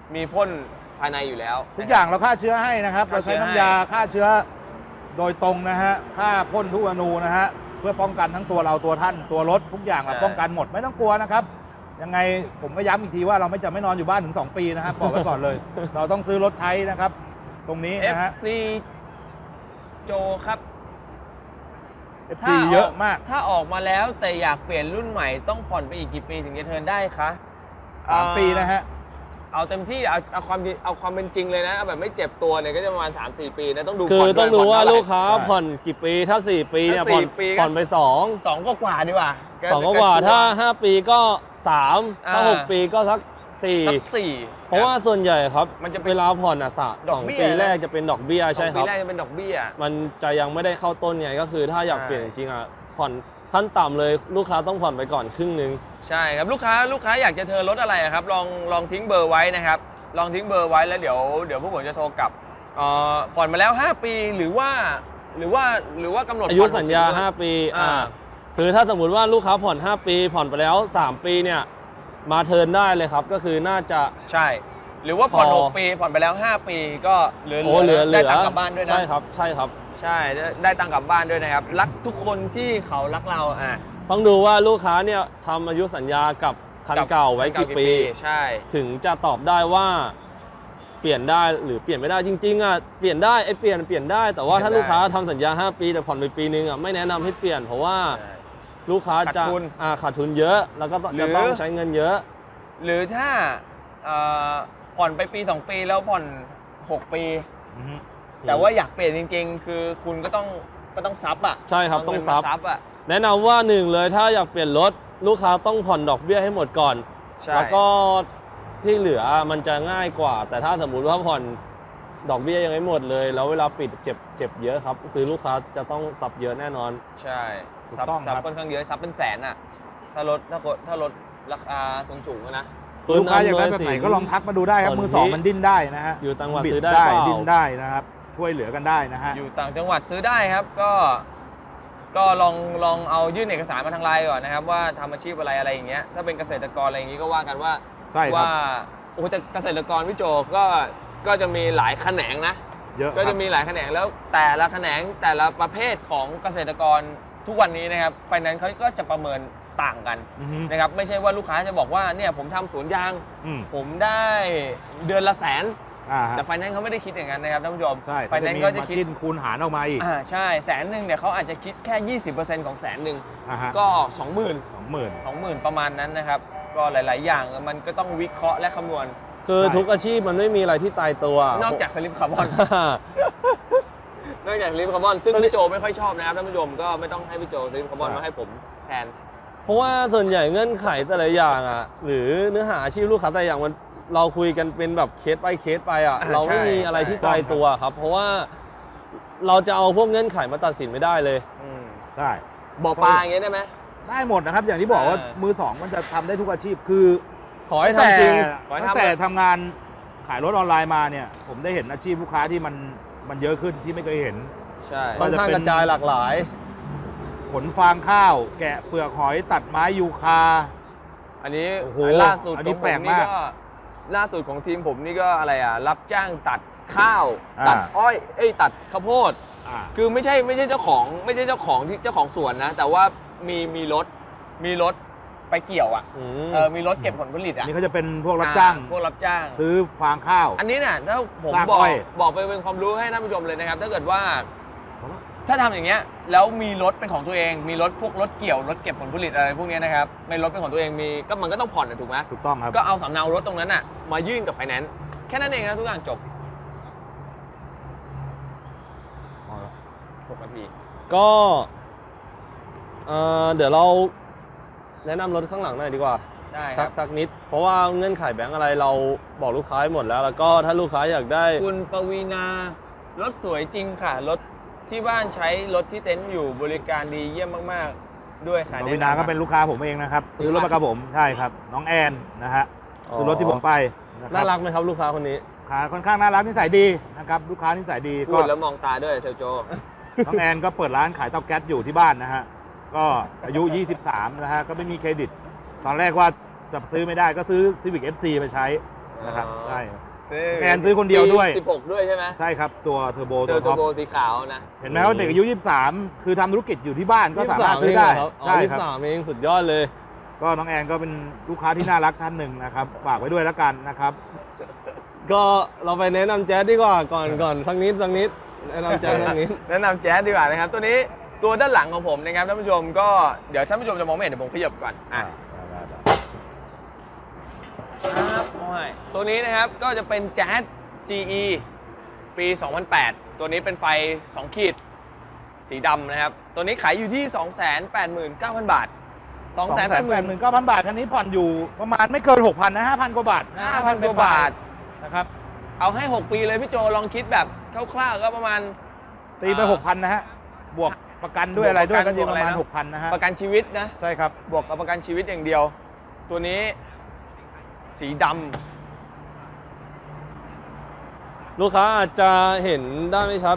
มีพ่นภายในอยู่แล้ว
ทุกอย่างเราฆ่าเชื้อให้นะครับ
ฆ่า
เรา
เชื้
ใช้
อ
น้ำยาฆ่าเชื้อโดยตรงนะฮะฆ่าพ่นทุกอนูนะฮะเพื่อป้องกันทั้งตัวเราตัวท่านตัวรถทุกอย่างเราป้องกันหมดไม่ต้องกลัวนะครับยังไงผมก็ย้ำอีกทีว่าเราไม่จะไม่นอนอยู่บ้านถึงสองปีนะครับบอกไว้ก่อนเลย เราต้องซื้อรถใช้นะครับ ตรงนี้
เอฟ
นะฮะ
ซี โจครับ
เอฟซีเยอะมาก
ถ้าออกมาแล้วแต่อยากเปลี่ยนรุ่นใหม่ต้องผ่อนไปอีกกี่ปีถึงจะเทิร์นได้คะ
สามปีนะฮะ
เอาเต็มที่เอาเอาความเอาความเป็นจริงเลยนะเอาแบบไม่เจ็บตัวเนี่ยก็จะประมาณ สามสี่ ปีนะต้องดู
คือ
ผ่น
ต้อง
ด้วย
ดูว่า
ผ่อนเท่ไหร่
ลูกค้าผ่อนกี่ปีถ้าสี่ปีเนี่ย
ถ้า
ผ่อน
สี่ปีก็
ผ่อนไปสอง
สองก็กว่าดีกว่า
สองก็กว่าถ้าห้าปีก็สามถ้า
อ่า
หกปีก็สักสี่
สักสี่
เพราะว่าส่วนใหญ่ครับ
มันจะเป็น
เวลาผ่อนอ่ะสะ
ด
ส
อก
อง
เบี้ย
ปี
นะ
แรกจะเป็นดอกเบี้ย
ส
ใช่
อง
ค
ปี
รับ
แรกจะเป็นดอกเบี้ย
มันจะยังไม่ได้เข้าต้นไงก็คือถ้าอยาก
ใช่
เปลี่ยนจริงๆอ่ะผ่อนขั้นต่ำเลยลูกค้าต้องผ่อนไปก่อนครึ่งหนึง
ใช่ครับลูกค้าลูกค้าอยากจะเทิร์นรถอะไรอะครับลองลองทิ้งเบอร์ไว้นะครับลองทิ้งเบอร์ไว้แล้วเดี๋ยวเดี๋ยวพวกผมจะโทรกลับเอ่อผ่อนมาแล้วห้าปีหรือว่าหรือว่าหรือว่ากำหนด
อายุ
ผ่อน
สัญญา
หกสิบ
ห้าปี
อ่า
อ่าคือถ้าสมมุติว่าลูกค้าผ่อนห้าปีผ่อนไปแล้วสามปีเนี่ยมาเทิร์นได้เลยครับก็คือน่าจะ
ใช่ หรือว่าผ่อน
พอ
หกปีผ่อนไปแล้วห้าปีก็เหลือ
โอ้เหลือเหลื
ได้
อ
ตังค์กลับบ้านด้วยนะ
ใช่ครับใช่ครับ
ใช่ได้ได้ตังค์กลับบ้านด้วยนะครับรักทุกคนที่เขารักเราอ่ะ
ต้องดูว่าลูกค้าเนี่ยทำอายุสัญญากับคันเก่าไว้กี่ปี
ใช่
ถึงจะตอบได้ว่าเปลี่ยนได้หรือเปลี่ยนไม่ได้จริงๆอ่ะเปลี่ยนได้ไอ้เปลี่ยนเปลี่ยนได้แต่ว่าถ้าลูกค้าทำสัญญาห้าปีแต่ผ่อนไปปีนึงอ่ะไม่แนะนำให้เปลี่ยนเพราะว่าลูกค้าจะ
ขาดทุน
อ่าขาดทุนเยอะ แล้วก็
หรือ
จะต้องใช้เงินเยอะ
หรือถ้าเอ่อผ่อนไปปีสองปีแล้วผ่อนหกปี
อือฮึ
แต่ว่าอยากเปลี่ยนจริง ๆ คือคุณก็ต้องก็ต้องซับอ่ะ
ใช่ครับ
เา
ต้อง
เงิน
ซั
มา
บ
ซับอ่ะ
แนะนำว่าหนึ่งเลยถ้าอยากเปลี่ยนรถลูกค้าต้องผ่อนดอกเบี้ยให้หมดก่อน
ใช่
แล้วก็ที่เหลือมันจะง่ายกว่า แต่ถ้าสมมุติว่าผ่อนดอกเบี้ยยังไม่หมดเลย แล้วเวลาปิดเจ็บเจ็บเยอะครับคือลูกค้าจะต้องซับเยอะแน่นอน
ใช่
ถูก
ซับ
ต้อง
ซับ
ครับ
ค่อนข้างเยอะซับเป็นแสนอ่ะถ้ารถถ้ารถถ้ารถราคาสูงๆอะนะ
ลูกค้าอยากได้แบบไหนก็ลองทักมาดูได้ครับมือสองมันดิ้นได้นะฮะ
อยู่ต่างจังหวัด
บิ
ซื้อได้เปล่า
ดิ้นได้นะครับช่วยเหลือกันได้นะฮะ
อยู่ต่างจังหวัดซื้อได้ครับก็ก็ลองลองเอายื่นเอกสารมาทางไลน์ก่อนนะครับว่าทำอาชีพอะไรอะไรอย่างเงี้ยถ้าเป็นเกษตรกรอะไรอย่างงี้ก็ว่ากันว่า
ใช่ครับ
ว่าโอ้แต่เกษตรกรพี่โจก็ก็จะมีหลายแขนงนะ
เยอะ
ก็
ครั
จะ
บ
มีหลายแขนงแล้วแต่ละแขนงแต่ละประเภทของเกษตรกรทุกวันนี้นะครับไฟแนนซ์เขาก็จะประเมินต่างกัน
อือฮึ
นะครับไม่ใช่ว่าลูกค้าจะบอกว่าเนี่ยผมทำสวนยาง
อืม
ผมได้เดือนละแสน
อ่าฮะ
แต่ไฟแนนซ์เขาไม่ได้คิดอย่างนั้นนะครับท่านผู้ชม
ใช่
ไฟแนนซ์ก็จะคิด
มาคูณหารออกมาอีก
อ่าใช่แสนหนึ่งเนี่ยเขาอาจจะคิดแค่ ยี่สิบเปอร์เซ็นต์ ของแสนหนึ่ง
อ่าฮะ
ก็ สองหมื่น
สองหมื่น
สองหมื่นประมาณนั้นนะครับ ก็หลาย ๆ อย่างมันก็ต้องวิเคราะห์และคำนวณ
คือ
ใช่
ทุกอาชีพมันไม่มีอะไรที่ตายตัวน
อกจากสลิปคาร์บอน นอกจากสลิปคาร์บอนซึ่งพี่โจไม่ค่อยชอบนะครับท่านผู้ชมก็ไม่ต้องให้พี่โจสลิปคาร์บอนมาให้ผมแทน
เพราะว่าส่วนใหญ่เงื่อนไขแต่ละอย่างอ่ะหรือเนื้อหาอาชีพลูกค้าแต่ละอย่างมันเราคุยกันเป็นแบบเคสไปเคสไปอ่ะ
อ่า
เราไม่
ใช่
มีอะไรที่
ใช่
ตายตัวครับ เพราะว่าเราจะเอาพวกเงื่อนไขมาตัดสินไม่ได้เลย
อืม
ได้
บ่อปลาอย่างเงี้ยได้ไหม
ได้หมดนะครับ อย่างที่บอกว่า
อ่ามื
มือสองมันจะทำได้ทุกอาชีพคือ
ขอให้ทำจริง
ขอให้ทำ
ตั้งแต่ทำงานขายรถออนไลน์มาเนี่ย ผมได้เห็นอาชีพลูกค้าที่มันมันเยอะขึ้นที่ไม่เคยเห็น
ใช่
ค่อนข้างกระจายหลากหลาย
ขนฟางข้าว แกะเปลือกหอยตัดไม้ยูคา
อันนี้
โอ้โห
ล่าสุด
อัน
ข
นี้
องผ
แปล
ม
ก
นี่
มาก
ก็ล่าสุดของทีมผมนี่ก็อะไรอ่ะรับจ้างตัดข้าว
อ่า
ตัดอ้อยเอ้ยตัดข้าวโพด
อ่า
คือไม่ใช่ไม่ใช่เจ้าของไม่ใช่เจ้าของที่เจ้าของสวนนะ แต่ว่ามีมีรถมีรถไปเกี่ยวอ่ะ
อืม
เออมีรถเก็บผลผลิต
อั
อ่ะ
นนี้เขาจะเป็นพวกรับจ้าง
อ่พวกรับจ้าง
ซื้อฟางข้าว
อันนี้เนี่ยถ้าผม
ลาก
บอก
อ้อย
บอกไปเป็นความรู้ให้ท่านผู้ชมเลยนะครับ ถ้าเกิดว่า ถ้าทำอย่างเงี้ยแล้วมีรถเป็นของตัวเอง มีรถพวกรถเกี่ยวรถเก็บผลผลิตอะไรพวกเนี้ยนะครับในรถเป็นของตัวเองมีก็มันก็ต้องผ่อนนะถูกไหม
ถูกต้องครับ
ก็เอาสำเนารถตรงนั้นอ่ะมายื่นกับไฟแนนซ์แค่นั้นเองนะทุกอย่างจบหกนาที
ก็เอ่อเดี๋ยวเราแนะนำรถข้างหลังหน่อยดีกว่า
ได้ค
สั
รั
ก
บ
สักนิด เพราะว่าเงื่อนไขแบงก์อะไรเราบอกลูกค้าให้หมดแล้ว แล้วก็ถ้าลูกค้าอยากได้
คุณปวีนารถสวยจริงค่ะรถที่บ้านใช้รถที่เต็นท์อยู่บริการดีเยี่ยมมากๆด้วยค่ะ
ปวินาก็เป็นลูกค้าผมเองนะครับซื้อรถมากับผมใช่ครับ น้องแอนนะฮะ
อ๋อ
ซื้อรถที่ผมไปะคบ
น่ารักไหมครับลูกค้าคนนี้
ขาค่อนข้างน่ารักนิสัยดีนะครับลูกค้านิสัยดี
พู
ก็
ดแล้วมองตาด้วยเทลโจ
น้องแอนก็เปิดร้านขายเตาแก๊สอยู่ที่บ้านนะฮะก็อายุยี่สิบสามนะฮะก็ไม่มีเครดิต ตอนแรกว่าจะซื้อไม่ได้ก็ซื้อ Civic เอฟ ซี ไปใช้นะครับ
อ๋อ
ใช่ครับ
ซื้อ
แอนซื้อคนเดียวด้วย
สิบหกด้วยใช่ไหม
ใช่ครับตัวเทอร์โบ
เจ
ตั
อ
ว
ตั
ท็
ว
อป
โบสีขาวนะ
เห็นไหมว่าเด็กอายุยี่สิบสามคือทำธุรกิจอยู่ที่บ้านก็สามารถซื้อ
ยี่สิบ
ได้
สามเองเหรอครับอ๋อ
ใช่
ยี่
ค
สิ
รับบ
สามเองสุดยอดเลย
ก็น้องแอนก็เป็นลูกค้าที่น่ารักท่านหนึ่งนะครับฝากไว้ด้วยแล้วกันนะครับ
ก็เราไปแนะนำแจ๊สดีกว่าก่อนก่อนสักนิดสักนิดแนะนำแจ๊สสักนิด
แนะนำแจ๊สดีกว่านะครับ ตัวนี้ตัวด้านหลังของผมนะครับท่านผู้ชมก็เดี๋ยวท่านผู้ชมจะมองไม่เห็นเดี๋ยวผมขยับก่อนอ่ะครับโอ้ยตัวนี้นะครับก็จะเป็นแจ๊ส จี อี ปี สองพันแปด ตัวนี้เป็นไฟ สอง ขีด สีดำนะครับ ตัวนี้ขายอยู่ที่ สองแสนแปดหมื่นเก้าพัน บาท
สองแสนแปดหมื่นเก้าพันบาทคันนี้ผ่อนอยู่ประมาณไม่เกินหกพันนะห้าพันกว่าบาท
ห้าพัน กว่าบาท
นะครับ
เอาให้ หก ปีเลยพี่โจลองคิดแบบคร่าวๆก็ประมาณ
ตีไปหกพันนะฮะบวกประกันด้วยอะไรด้วยก็อยู่ประมาณหกพันนะฮะ
ประกันชีวิตนะ
ใช่ครับ
บวกกับประกันชีวิตอย่างเดียว ตัวนี้สีดำ
ลูกค้าอาจจะเห็นได้ไม่ชัด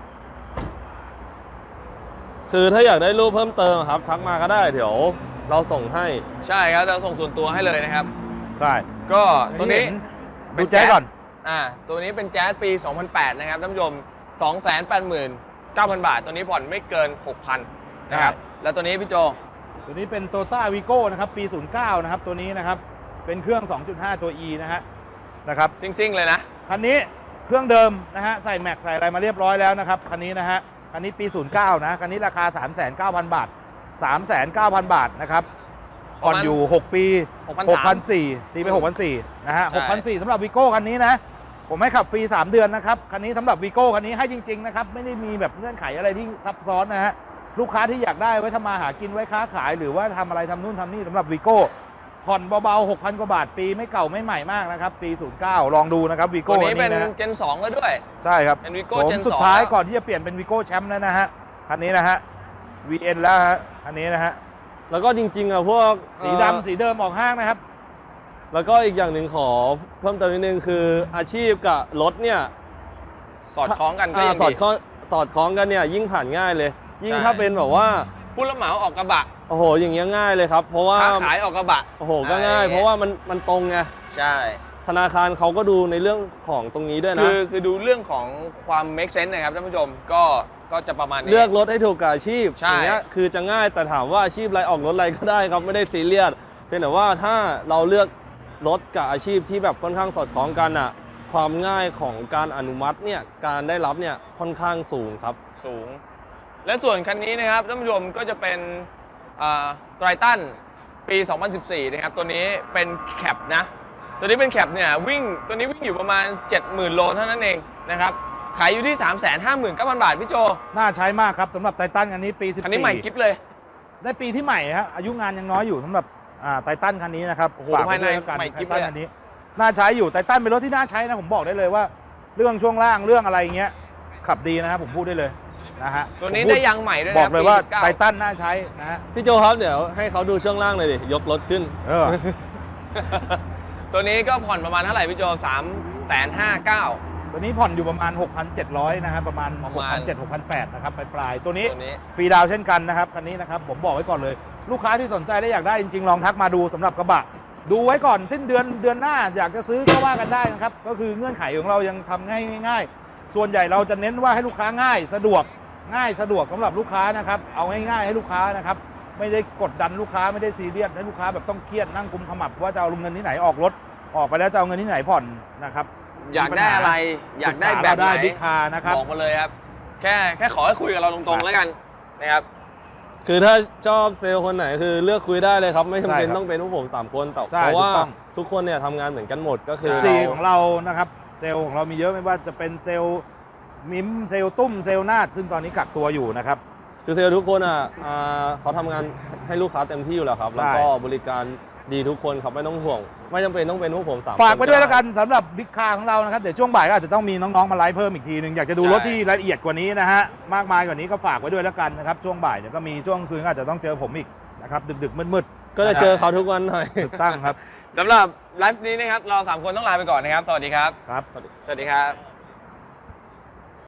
คือถ้าอยากได้รูปเพิ่มเติมครับ ทักมาก็ได้เดี๋ยวเราส่งให้
ใช่ครับจะส่งส่วนตัวให้เลยนะครับ
ใช่
ก็ตัวนี้
ดูแจ๊สก่อน
อ่าตัวนี้เป็นแจ๊สปี สองพันแปด นะครับท่านผู้ชม สองแสนแปดหมื่นเก้าพัน บาท ตัวนี้ผ่อนไม่เกิน หกพัน นะครับ แล้วตัวนี้พี่โจ
ตัวนี้เป็น Toyota Vigo นะครับปีศูนย์เก้านะครับตัวนี้นะครับเป็นเครื่อง สองจุดห้า ตัว E นะฮะนะครับ
ซิ่งๆเลยนะ
คันนี้เครื่องเดิมนะฮะใส่แม็กใส่อะไรมาเรียบร้อยแล้วนะครับคันนี้นะฮะคันนี้ปีศูนย์เก้านะคันนี้ราคา สามแสนเก้าพัน บาท สามแสนเก้าพัน บาทนะครับผ่อนอยู่หกปี
หกพันสาม
หกพันสี่ร้อยตีไป หกพันสี่ร้อย นะฮะ
ใช่
หกพันสี่ร้อย สำหรับ Vigo คันนี้นะผมให้ขับฟรีสามเดือนนะครับคันนี้สำหรับ Vigo คันนี้ให้จริงๆนะครับไม่ได้มีแบบเงื่อนไขอะไรที่ซับซ้อนนะฮะลูกค้าที่อยากได้ไว้ทำมาหากินไว้ค้าขายหรือว่าทำอะไรทำนู่นทำนี่สำหรับ Vigo ผ่อนเบาๆ หกพัน กว่าบาทปีไม่เก่าไม่ใหม่มากนะครับปีศูนย์เก้าลองดูนะครับ Vigo
ตัวนี้เป็น
นะ
เจน สองแล้วด้วย
ใช่ครับ
เป็น Vigo
ผม
Gen
สุด
สอง
ท้าย
แล้ว
ก่อนที่จะเปลี่ยนเป็น Vigo แชมป์แล้วนะฮะคันนี้นะฮะ วี เอ็น แล้วฮะคันนี้นะฮะ
แล้วก็จริงๆอ่ะพวก
สี
เอ่อ
ดำสีเดิมออกห้างนะครับ
แล้วก็อีกอย่างหนึ่งขอเพิ่มเติมนิดนึงคืออาชีพกับรถเนี่ย
สอดคล้องกันก็
อ่า
ยัง
สอด
ดี
คล้องสอดคล้องกันเนี่ยยิ่งผ่านง่ายเลย ยิ่ง
ใช่
ถ้าเป็นแบบว่า
ผู้รับเหมาออกกระบะ
โอ้โหอย่างเงี้ยง่ายเลยครับ เพราะว่า
ค้าขายออกกระบะ
โอ้โหก็ง่าย เพราะว่ามันมันตรงไง
ใช่
ธนาคารเขาก็ดูในเรื่องของตรงนี้ด้วยนะ
คือคือดูเรื่องของความ make sense นะครับท่านผู้ชมก็ก็จะประมาณนี้
เลือกรถให้ถูกกับอาชีพ
ใช่
อย่างเงี้ยคือจะง่ายแต่ถามว่าอาชีพอะไรออกรถอะไรก็ได้ครับไม่ได้ซีเรียสเพียงแต่ว่าถ้าเราเลือกรถกับอาชีพที่แบบค่อนข้างสอดคล้องกันอ่ะความง่ายของการอนุมัติเนี่ยการได้รับเนี่ยค่อนข้างสูงครับ
สูง และส่วนคันนี้นะครับท่านผู้ชมก็จะเป็นไตรตันปี สองพันสิบสี่ นะครับตัวนี้เป็นแคปนะตัวนี้เป็นแคปเนี่ยวิ่งตัวนี้วิ่งอยู่ประมาณ เจ็ดหมื่น โลเท่านั้นเองนะครับขายอยู่ที่ สามแสนห้าหมื่นเก้าพัน บาทพี่โจ
น่าใช้มากครับสำหรับไททันคันนี้ปีสิบสี่
คันนี้ใหม่กิ๊บเลย
ได้ปีที่ใหม่ฮะอายุงานยังน้อยอยู่สำหรับอ่าไททันคันนี้นะครับ
โอ้โห
ฝากไว้
ภายใน
ด้วยแล้วกัน
ใหม่
ไท
กิ๊บ
ทัน
เลยอะ
คันนี้น่าใช้อยู่ไททันเป็นรถที่น่าใช้นะผมบอกได้เลยว่า เรื่องช่วงล่างเรื่องอะไรเงี้ยขับดีนะครับผมพูดได้เลยนะฮะ
ตัวนี้
ผมพู
ได้ยางใหม่ด้วยนะ
บอกเลยว่า
ปีสิบเก้
ไททันน่าใช้นะฮะ
พี่โจครับเดี๋ยวให้เขาดูช่วงล่างหน่อยดิยกรถขึ้น
เออ
ตัวนี้ก็ผ่อนประมาณเท่าไหร่พี่โจ สามแสนห้าหมื่นเก้าพัน
ตัวนี้ผ่อนอยู่ประมาณ หกพันเจ็ดร้อย นะครับประมาณ
ประ
หก
มาณ
พันเจ็ดร้อย หกพันแปดร้อย นะครับปลายๆตัวนี้
ตัวนี้
ฟรีดาวน์เช่นกันนะครับคันนี้นะครับผมบอกไว้ก่อนเลย ลูกค้าที่สนใจและอยากได้จริงๆลองทักมาดูสำหรับกระบะ ดูไว้ก่อนสิ้นเดือนเดือนหน้าอยากจะซื้อก็ว่ากันได้นะครับก็คือเงื่อนไขของเรายังทำง่ายง่ายๆส่วนใหญ่เราจะเน้นว่าให้ลูกค้าง่ายสะดวกง่ายสะดวกสำหรับลูกค้านะครับเอาง่ายๆให้ลูกค้านะครับไม่ได้กดดันลูกค้าไม่ได้ซีเรียสให้ลูกค้าแบบต้องเครียดนั่งกุมขมับว่าจะเอาเงินที่ไหนออกรถออกไปแล้วจะเอาเงินที่ไหนผ่อนนะครับ
อยากได้อะไรอยากได้แบบไหน
ได้บิ๊กคาร์นะครับ
บอกมาเลยครับ แค่แค่ขอให้คุยกับเราตรงๆแล้วกันนะครับ
คือถ้าชอบเซลล์คนไหนคือเลือกคุยได้เลยครับ ไม่จำเป็น
ใช่ครับ
ต้องเป็นพวกผมสามคนแต่
ใช่
เพราะว่า
ถูกต้อง
ทุกคนเนี่ยทำงานเหมือนกันหมดก็คือ
ใช่
สี่
เรา
ของเรานะครับเซลล์ของเรามีเยอะไม่ว่าจะเป็นเซลล์มิมเซลล์ตุ้มเซลล์นาดซึ่งตอนนี้กักตัวอยู่นะครับ
คือเซลล์ทุกคนอ่ะอ่าเขาทำงานให้ลูกค้าเต็มที่อยู่แล้วครับ แล้วก็บริการดีทุกคนครับไม่ต้องห่วง ไม่จำเป็นต้องเป็นพวกผมสามคน
ฝากไปด้วยแล้วกันสำหรับบิ๊กคาร์ของเรานะครับเดี๋ยวช่วงบ่ายก็อาจจะต้องมีน้องๆมาไลฟ์เพิ่มอีกทีหนึ่งอยากจะดู
ใช่
รถที่ละเอียดกว่านี้นะฮะมากมายกว่านี้ก็ฝากไว้ด้วยแล้วกันนะครับช่วงบ่ายเดี๋ยวก็มีช่วงคืนก็อาจจะต้องเจอผมอีกนะครับดึกๆมืดๆ
ก็จะเจอเขาทุกวันหน่อย
ถูกต้องครับ
สำหรับไลฟ์นี้นะครับเราสามคนต้องลาไปก่อนนะครับ สวัสดีครับ
ครับ
สวัสดีครับ